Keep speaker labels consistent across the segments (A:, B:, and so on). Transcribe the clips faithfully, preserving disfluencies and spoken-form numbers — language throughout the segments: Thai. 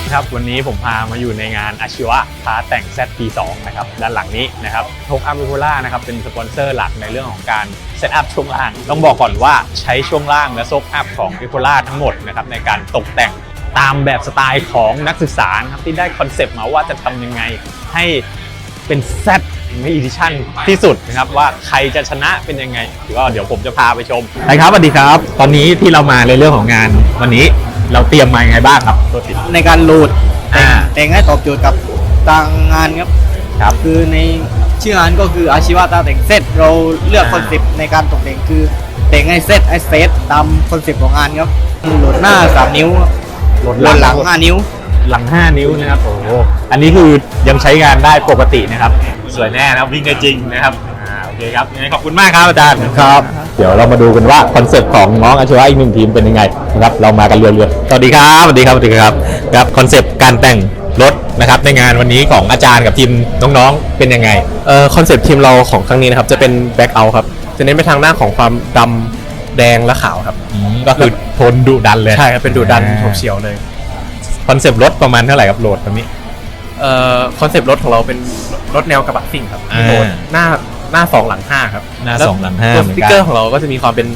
A: ครับวันนี้ผมพามาอยู่ในงานอาชีวะท้าแต่ง แซด พี สอง นะครับด้านหลังนี้นะครับโชคอัพวิโคล่านะครับเป็นสปอนเซอร์หลักในเรื่องของการเซตอัพช่วงล่างต้องบอกก่อนว่าใช้ช่วงล่างและโชคอัพของวิโคล่าทั้งหมดนะครับในการตกแต่งตามแบบสไตล์ของนักศึกษาครับที่ได้คอนเซปต์มาว่าจะทำยังไงให้เป็น Z ไม่อีดิชั่นที่สุดนะครับว่าใครจะชนะเป็นยังไงก็เดี๋ยวผมจะพาไปชมนะครับสวัสดีครับตอนนี้ที่เรามาในเรื่องของงานวันนี้เราเตรียมมายังไงบ้างครับตัวติด
B: ในการโหลดแต่งให้ตอบโจทย์กับทางงานครับครับคือในชื่องานก็คืออาชีวะตาแต่งเซตเราเลือกคอนเซปต์ในการตกแต่งคือแต่งให้เซตให้เซตตามคอนเซปต์ของงานครับโหลดหน้าสามนิ้วโหลดหลังห้านิ้ว
A: หลังห้านิ้วนะครับโอ้โหอันนี้คือยังใช้งานได้ปกตินะครับสวยแน่นะครับวิ่งได้จริงนะครับอ่าโอเคครับยังไงขอบคุณมากครับอาจารย์ครับเดี๋ยวเรามาดูกันว่าคอนเซ็ปต์ของน้องอาชีวะอีกหนึ่งทีมเป็นยังไงนะครับเรามากันเรื่อยๆสวัสดีครับสวัสดีครับสวัสดีครับครับคอนเซ็ปต์การแต่งรถนะครับในงานวันนี้ของอาจารย์กับทีมน้องๆเป็นยังไง
C: เอ่อคอนเซ็ปต์ทีมเราของครั้งนี้นะครับจะเป็นแบ็คเอาท์ครับจะเน้นไปทางหน้าของความดำแดงและขาวครับ
A: ก็คือโทนดุดันเลย
C: ใช่ครับเป็นดุดันโฉบเฉี่ยวเลย
A: คอนเซปต์รถประมาณเท่าไหร่ครับโหลดตรงนี้
C: เอ่อคอนเซปต์รถของเราเป็นรถแนวกระบะซิ่งครับโหลดหน้าหน้าสองหลังห้าครับ
A: หน้าสองหลังห้า
C: ตัวสติ๊กเกอร์ของเราก็จะมีความเป็น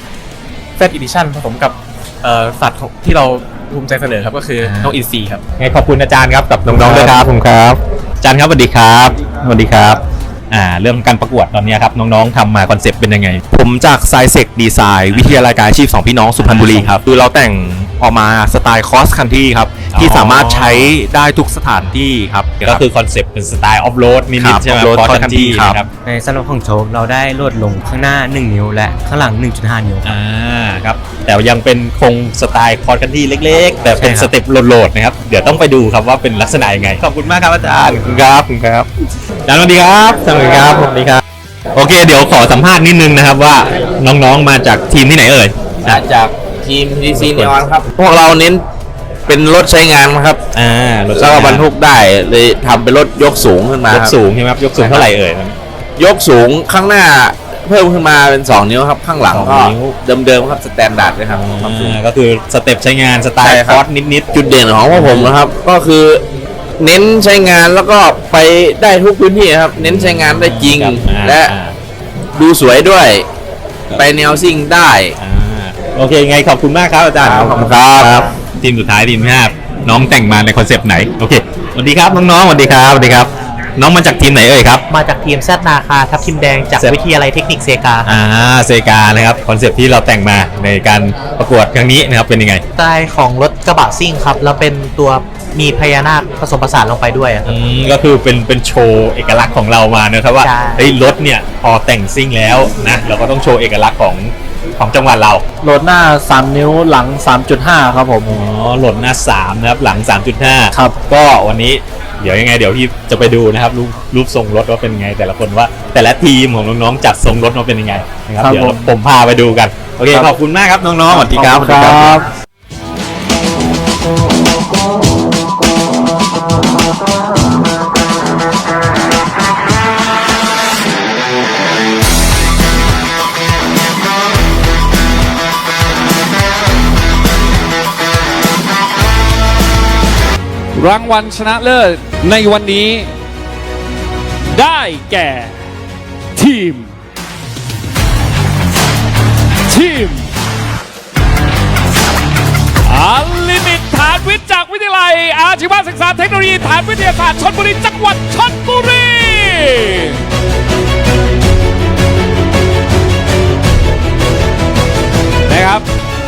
C: Z Edition ผสมกับเอ่อสัตว์ที่เราภูมิใจเสนอครับก็คือน้องอินซีครับ
A: ไงขอบคุณอาจารย์ครับกับน้องๆด้วยครับผมครับอาจารย์ครับสวัสดีครับสวัสดีครับอ่าเรื่องการประกวดตอนนี้ครับน้องๆทำมาคอนเซปต์เป็นยังไง
C: ผมจากไซเซกดีไซน์วิทยาลัยการอาชีพสองพี่น้องสุพรรณบุรีครับคือเราแต่งออกมาสไตล์คอสคันทรีครับที่สามารถใช้ได้ทุกสถานที่ครับ
A: ก็คือคอนเซปต์เป็นสไตล์ออฟโรดนิดๆใช่ไหมคอสคันทรีครับ
B: ในสำหรับของโชคเราได้ลดลงข้างหน้าหนึ่งนิ้วและข้างหลัง หนึ่งจุดห้า นิ้ว
A: อ่าครับแต่ยังเป็นคงสไตล์คอสคันทรีเล็กๆแต่เป็นสเต็ปโหลดๆนะครับเดี๋ยวต้องไปดูครับว่าเป็นลักษณะยังไงขอบคุณมากครับอาจารย์
C: ครับครับ
A: อาจารย์สวัสดีครับสวัสดีครับสวัสดีครับโอเคเดี๋ยวขอสัมภาษณ์นิดนึงนะครับว่าน้องๆมาจากทีมที่ไหนเอ่ย
D: มาจากทีม ที ซี Neon ครับพวกเราเน้นเป็นรถใช้งานครับ
A: อ่า
D: แล้วก็บรรทุกได้เลยทำเป็นรถยกสูงขึ้นมาย
A: กสูงใช่ไหมครับยกสูงเท่าไหร่เอ่ย
D: ยกสูงข้างหน้าเพิ่มขึ้นมาเป็นสองนิ้วครับข้างหลังก็เดิมๆครับสแตนดาร์ดเลยครับ
A: ก็คือสเต็ปใช้งานสไตล์คอร์สนิด
D: ๆจุดเด่นของพวกผมนะครับก็คือเน้นใช้งานแล้วก็ไปได้ทุกพื้นที่ครับเน้นใช้งานได้จริงและดูสวยด้วยไปแนวซิ่งได้
A: โอเคไงขอบคุณมากครับอาจารย์
D: ขอบคุณครับ
A: ทีมสุดท้ายทีมห้าน้องแต่งมาในคอนเซปต์ไหนโอเคสวัสดีครับน้องๆสวัสดีครับสวัสดีครับน้องมาจากทีมไหนเอ่ยครับ
B: มาจากทีมแซดนาคาทับทิมแดงจากวิทยาลัยเทคนิคเซกา
A: อ่าเซกานะครับคอนเซปต์ที่เราแต่งมาในการประกวดครั้งนี้นะครับเป็นยังไง
B: สไตล์ของรถกระบะซิ่งครับแล้วเป็นตัวมีพญานาคผสมผสานลงไปด้วย
A: อืมก็คือเป็นเป็นโชว์เอกลักษณ์ของเรามานะครับว่าเฮ้ยรถเนี่ยพอแต่งซิ่งแล้วนะเราก็ต้องโชว์เอกลักษณ์ของของจังหวัดเรา
B: โหลดหน้าสามนิ้วหลัง สามจุดห้า ครับผม
A: อ๋อโหลดหน้าสามนะครับหลัง สามจุดห้า
B: ครับ
A: ก็วันนี้เดี๋ยวยังไงเดี๋ยวพี่จะไปดูนะครับรูปรูปทรงรถว่าเป็นไงแต่ละคนว่าแต่ละทีมของน้องๆจัดทรงรถมาเป็นยังไงนะครับเดี๋ยวผมพาไปดูกันโอเคขอบคุณมากครับน้องๆสวัสดีครับ
B: ครับ
E: รางวัลชนะเลิศในวันนี้ได้แก่ทีมทีมอัลลิมิตฐานวิทย์จากวิทยาลัยอาชีวศึกษาเทคโนโลยีฐานวิทยาศาสตร์ชลบุรีจังหวัดชลบุรีนะครับ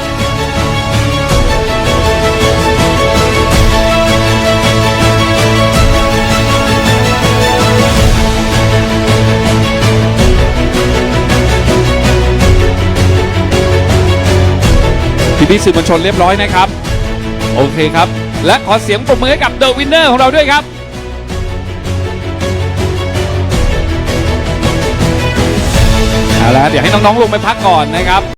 E: พี่ๆสื่อมวลชนเรียบร้อยนะครับโอเคครับและขอเสียงปรบมือให้กับเดอะวินเนอร์ของเราด้วยครับเอาละเดี๋ยวให้น้องๆลงไปพักก่อนนะครับ